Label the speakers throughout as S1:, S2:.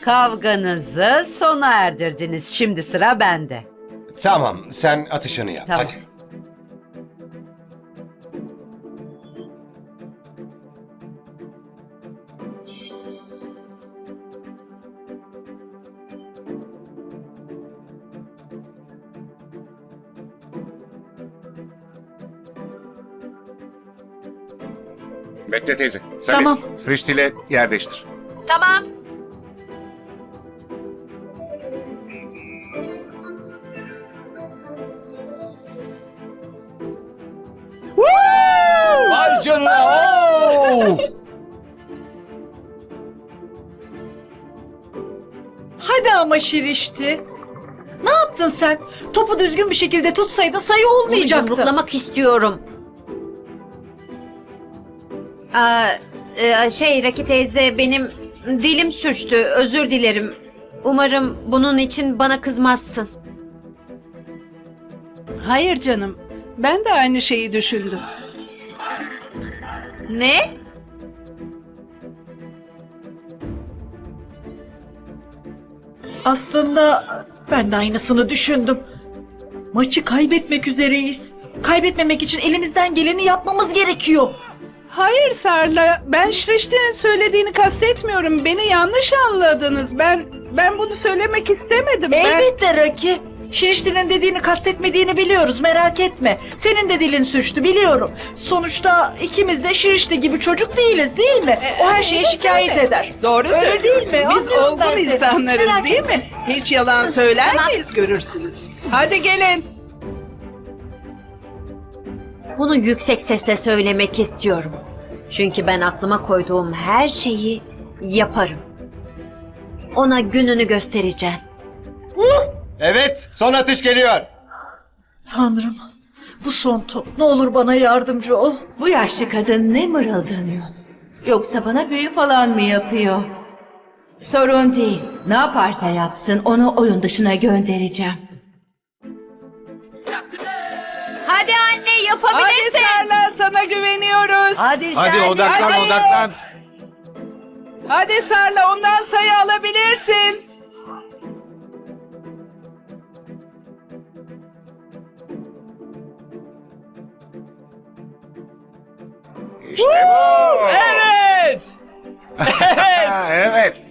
S1: Kavganızı sona erdirdiniz. Şimdi sıra bende.
S2: Tamam, sen atışını yap.
S1: Tamam.
S2: Hadi.
S3: Bekle teyze. Sen
S4: Tamam.
S3: Srişti ile yer değiştir.
S4: Tamam.
S2: Vay canına! Oo!
S4: Hadi ama Şirişti. Ne yaptın sen? Topu düzgün bir şekilde tutsaydın sayı
S5: Onu
S4: olmayacaktı.
S5: yumruklamak istiyorum. Raki teyze benim dilim sürçtü. Özür dilerim. Umarım bunun için bana kızmazsın.
S6: Hayır canım. Ben de aynı şeyi düşündüm.
S5: Ne?
S4: Aslında ben de aynısını düşündüm. Maçı kaybetmek üzereyiz. Kaybetmemek için elimizden geleni yapmamız gerekiyor.
S6: Hayır Sarla, ben Şirişti'nin söylediğini kastetmiyorum. Beni yanlış anladınız. Ben bunu söylemek istemedim.
S4: Elbette Raki. Şirişti'nin dediğini kastetmediğini biliyoruz, merak etme. Senin de dilin sürçtü biliyorum. Sonuçta ikimiz de Şirişti gibi çocuk değiliz değil mi? O her şeye şikayet eder.
S6: Doğru
S4: Öyle değil
S6: söylüyorsun.
S4: mi?
S6: Biz
S4: Anlıyorum ben
S6: olgun
S4: seni.
S6: insanlarız
S4: Merak
S6: değil
S4: etme.
S6: mi? Hiç yalan söyler miyiz görürsünüz. Hadi gelin.
S5: Bunu yüksek sesle söylemek istiyorum. Çünkü ben aklıma koyduğum her şeyi yaparım. Ona gününü göstereceğim.
S2: Evet, son atış geliyor.
S4: Tanrım, bu son top. Ne olur bana yardımcı ol.
S7: Bu yaşlı kadın ne mırıldanıyor? Yoksa bana büyü falan mı yapıyor? Sorun değil. Ne yaparsa yapsın onu oyun dışına göndereceğim.
S5: Hadi anne
S6: Hadi
S5: yapabilirsin.
S6: Sarla, sana güveniyoruz.
S1: Hadi
S3: Hadi
S1: Şermin,
S3: odaklan
S1: hadi.
S3: odaklan.
S6: Hadi Sarla, ondan sayı alabilirsin.
S3: İşte bu.
S2: Evet!
S3: Ha, evet.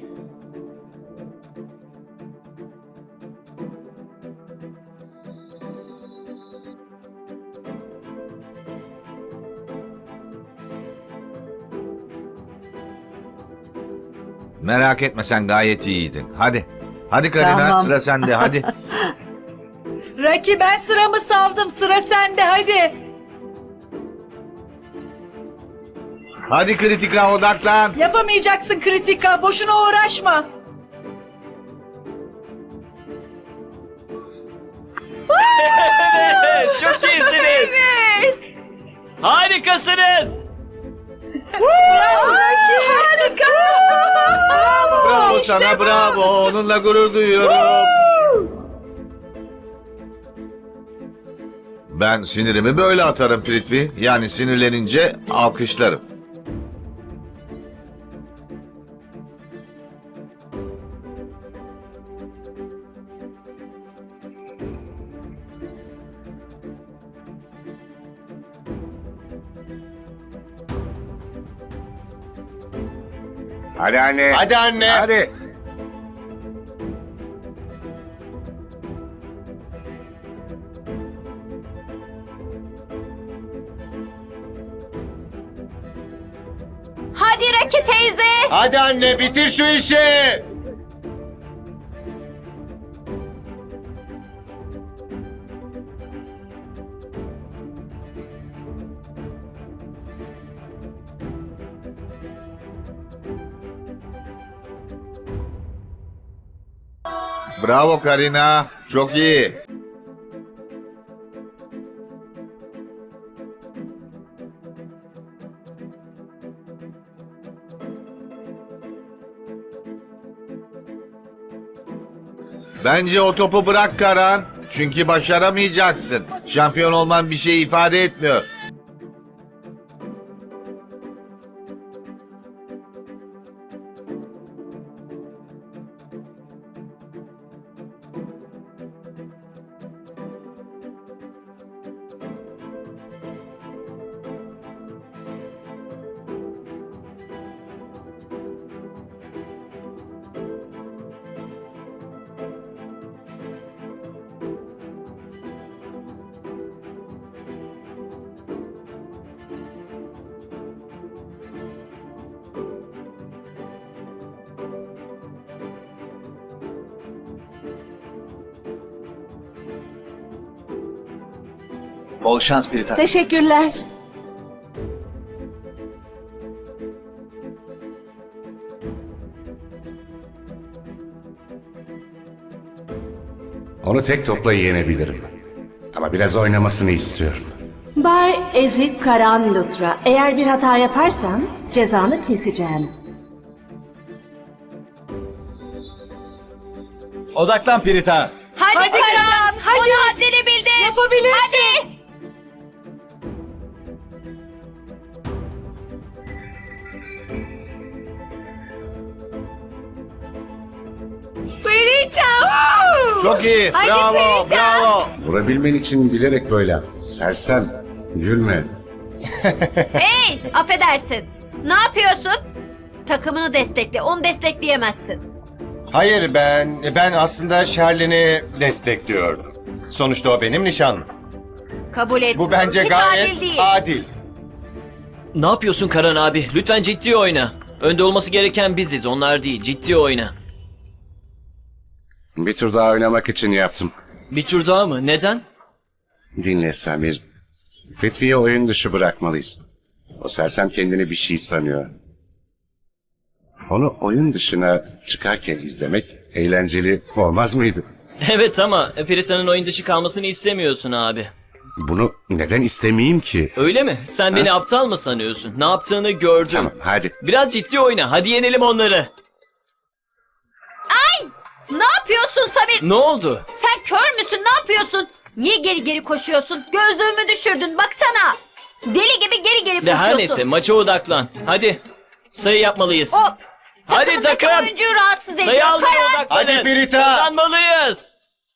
S8: Merak etme sen gayet iyiydin. Hadi. Hadi Karina
S1: Tamam.
S8: sıra sende hadi.
S4: Raki ben sıramı savdım. Sıra sende hadi.
S8: Hadi kritika odaklan.
S4: Yapamayacaksın kritika. Boşuna uğraşma.
S9: Çok iyisiniz. Harikasınız.
S8: Bravo sana bravo. Onunla gurur duyuyorum. Ben sinirimi böyle atarım Prithvi. Yani sinirlenince alkışlarım.
S3: Hadi anne.
S2: Hadi anne.
S3: Hadi.
S5: Hadi Raki teyze.
S2: Hadi anne, bitir şu işi.
S8: Bravo Karina. Çok iyi. Bence o topu bırak Karan. Çünkü başaramayacaksın. Şampiyon olman bir şey ifade etmiyor.
S9: Bol şans Pirita.
S7: Teşekkürler.
S3: Onu tek topla yenebilirim. Ama biraz oynamasını istiyorum.
S10: Bay Ezik Karan Lutra, eğer bir hata yaparsan cezanı keseceğim.
S9: Odaklan Pirita.
S5: Hadi Karan, hadi. Ona haddini bildir.
S4: Yapabilirsin.
S5: Hadi.
S8: Çok iyi. Bravo, bravo.
S3: Vurabilmen için bilerek böyle attım. Sersem, gülme.
S5: Hey, affedersin. Ne yapıyorsun? Takımını destekle, onu destekleyemezsin.
S2: Hayır ben aslında Sherlin'i destekliyordum. Sonuçta o benim nişanlım.
S5: Kabul et.
S2: Bu bence
S5: Hiç
S2: gayet
S5: adil değil.
S2: adil.
S11: Ne yapıyorsun Karan abi? Lütfen ciddi oyna. Önde olması gereken biziz, onlar değil. Ciddi oyna.
S3: Bir tur daha oynamak için yaptım.
S11: Bir tur daha mı? Neden?
S3: Dinle Samir. Prithvi'yi oyun dışı bırakmalıyız. O sersem kendini bir şey sanıyor. Onu oyun dışına çıkarken izlemek eğlenceli olmaz mıydı?
S11: Evet ama Pirita'nın oyun dışı kalmasını istemiyorsun abi.
S3: Bunu neden istemeyeyim ki?
S11: Öyle mi? Sen beni aptal mı sanıyorsun? Ne yaptığını gördüm.
S3: Tamam hadi.
S11: Biraz ciddi oyna. Hadi yenelim onları.
S5: Ne yapıyorsun Samir?
S11: Ne oldu?
S5: Sen kör müsün? Ne yapıyorsun? Niye geri geri koşuyorsun? Gözlüğümü düşürdün. Baksana. Deli gibi geri geri koşuyorsun.
S11: Her neyse maça odaklan. Hadi. Sayı yapmalıyız.
S5: Hop.
S11: Hadi
S5: Takımdaki
S11: takım.
S5: oyuncuyu rahatsız ediyor.
S11: Sayı almaya
S5: Karan.
S11: odaklanın.
S2: Hadi Pirita.
S11: Kazanmalıyız.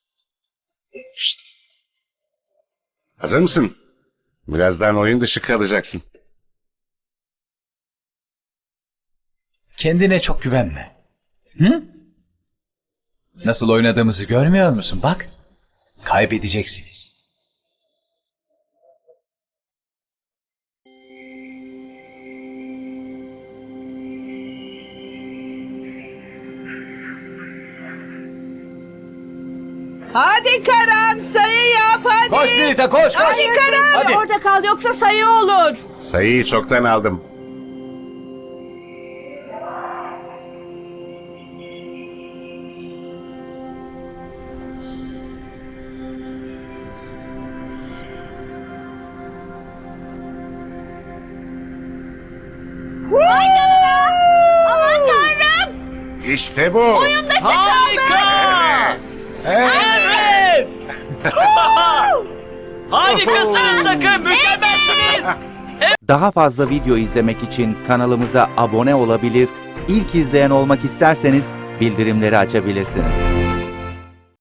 S3: Hazır mısın? Birazdan oyun dışı kalacaksın.
S9: Kendine çok güvenme. Hı? Nasıl oynadığımızı görmüyor musun? Bak. Kaybedeceksiniz.
S6: Hadi Karan, sayı yap hadi.
S9: Koş Pirita koş koş.
S6: Hadi Karan.
S9: Hadi.
S10: Orada kal yoksa sayı olur.
S3: Sayıyı çoktan aldım.
S5: Vay canına. Aman tanrım.
S3: İşte bu.
S5: Oyun dışı kaldı.
S11: Harika. Evet. Harikasınız sakın. Mükemmelsiniz.
S12: Daha fazla video izlemek için kanalımıza abone olabilir, ilk izleyen olmak isterseniz bildirimleri açabilirsiniz.